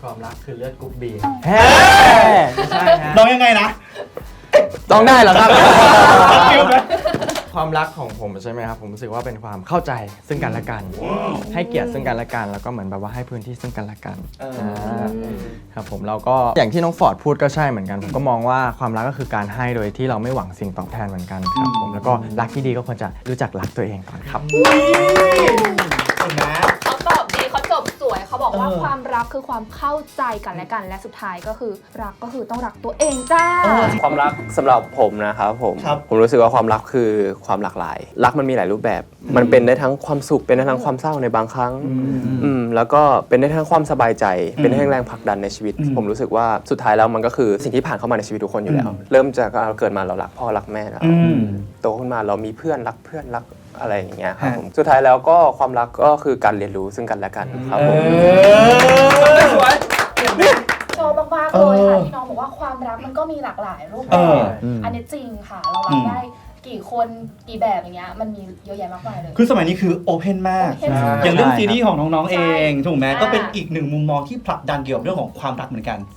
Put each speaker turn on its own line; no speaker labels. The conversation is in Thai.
ความรักคือเลือดกรุ๊ปบี
แฮ่ไม่ใช่ฮะ
น้องยังไงนะ
ต้องได้เหรอครับ
ฟิลไหม
ความรักของผมใช่ไหมครับผมรู้สึกว่าเป็นความเข้าใจซึ่งกันและกัน ให้เกียรติซึ่งกันและกันแล้วก็เหมือนแบบว่าให้พื้นที่ซึ่งกันและกันครับผมเราก็อย่างที่น้องฟอร์ดพูดก็ใช่เหมือนกันผมก็มองว่าความรักก็คือการให้โดยที่เราไม่หวังสิ่งตอบแทนเหมือนกันครับผมแล้วก็รักที่ดีก็ควรจะรู้จักรักตัวเองก่อนครับ
เห็นไหม
เขาตอบดีเขาจบสวยเขาบอกว่า
เออ
ความรักคือความเข้าใจกันและกันและสุดท้ายก็คือรักก็คือต้องรักตัวเองจ้า
ความรักสำหรับผมนะครับผม
ครับ
ผมรู้สึกว่าความรักคือความหลากหลาย รักมันมีหลายรูปแบบ มันเป็นได้ทั้งความสุขเป็นได้ทั้งความเศร้าในบางครั้งแล้วก็เป็นได้ทั้งความสบายใจ เป็นได้ทั้งแรงผลักดันในชีวิต ผมรู้สึกว่าสุดท้ายแล้วมันก็คือสิ่งที่ผ่านเข้ามาในชีวิตทุกคนอยู่แล้ว เริ่มจากเราเกิดมาเรารักพ่อรักแม่แล้วโตขึ้นมาเรามีเพื่อนรักเพื่อนรักอะไรอย่างเงี้ยครับผมสุดท้ายแล้วก็ความรักก็คือการเรียนรู้ซึ่งกันและกันครับผม
สวย
ชอบมากๆเลยค่ะที่น้องบอกว่าความรักมันก็มีหลากหลายรูปแบบอันนี้จริงค่ะ เรารักได้กี่คนกี่แบบอย่างเงี้ยมันมีเยอะแยะมากมายเลย
คือสมัยนี้คือโอเพนมาก
open มาก
อย่างเรื่องซีรีส์ของน้องๆเอง
ใช่
ถูกไหม
ใช่
ก็เป็นอีกหนึ่งมุมมองที่ผลักดันเกี่ยวกับเรื่องของความรักเหมือนกัน